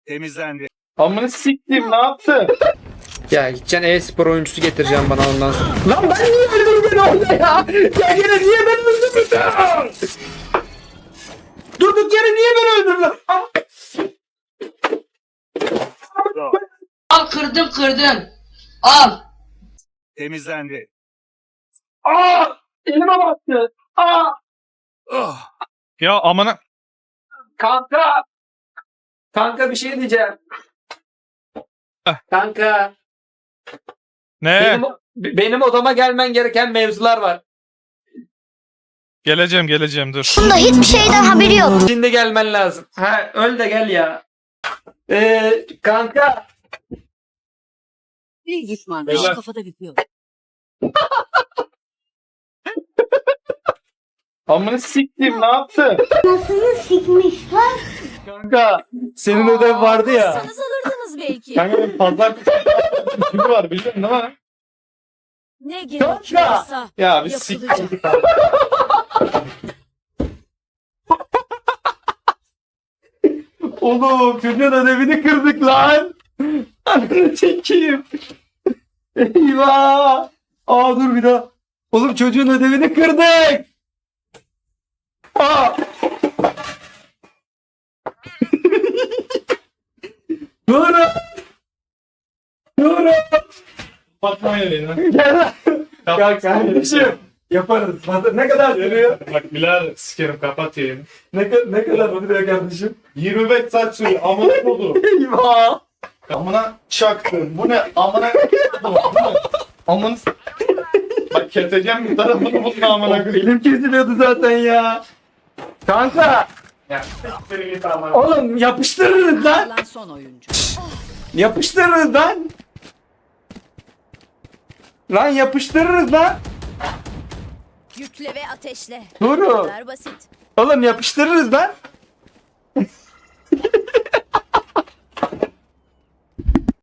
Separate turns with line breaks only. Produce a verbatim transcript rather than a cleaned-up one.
Temizlendi.
Amına siktim, ne yaptı?
Ya gideceksin e-spor oyuncusu getireceğim bana ondan sonra. Lan ben niye öldürdüm beni orada ya? Ya yine niye beni öldürdün? Durduk yere niye beni öldürdün?
Al kırdım kırdım. Al.
Temizlendi.
Aa! Elime battı. Aa!
Oh.
Ya amına.
Kanka. Kanka bir şey diyeceğim.
Heh.
Kanka.
Ne?
Benim, benim odama gelmen gereken mevzular var.
Geleceğim geleceğim dur.
Bunda hiçbir şeyden haberi yok.
Şimdi gelmen lazım. Ha öl de gel ya. Ee, kanka.
Bir düşman
Beyler.
daha kafada bitiyor.
Amına siktim, ne yaptı?
Nasıl sikmişler?
Kanka, senin ödev vardı ya.
Sanız alırdınız belki.
Kanka benim pazar günü var, biliyorsun değil mi?
Ne gerekiyorsa
Ya bir
yapılacak.
siktir. Oğlum çocuğun ödevini kırdık lan. Ananı çekeyim. Eyvah. Aa dur bir daha. Oğlum çocuğun ödevini kırdık. Aa. Dur. Dur.
Fatma yeleğine.
Gel lan. Ya kardeşim. Yaparız. Ne kadar sürüyor?
Bak Bilal sikerim kapat yayını.
Ne, ka- ne kadar sürüyor kardeşim?
yirmi beş saat sürüyor. Amına kodu.
Eyvah.
Amına çaktı. Bu ne? Amına kodu. Bu ne? Amına s- Bak keseceğim bir tarafını bunun amına koyayım.
Elim kesiliyordu zaten ya. Kanka.
Ya siktir git amına.
Oğlum yapıştırırız lan.
Kalan son oyuncu.
Yapıştırırız lan. Lan yapıştırırız lan.
Yükle ve ateşle.
Dur.
Bu kadar basit.
Oğlum yapıştırırız lan.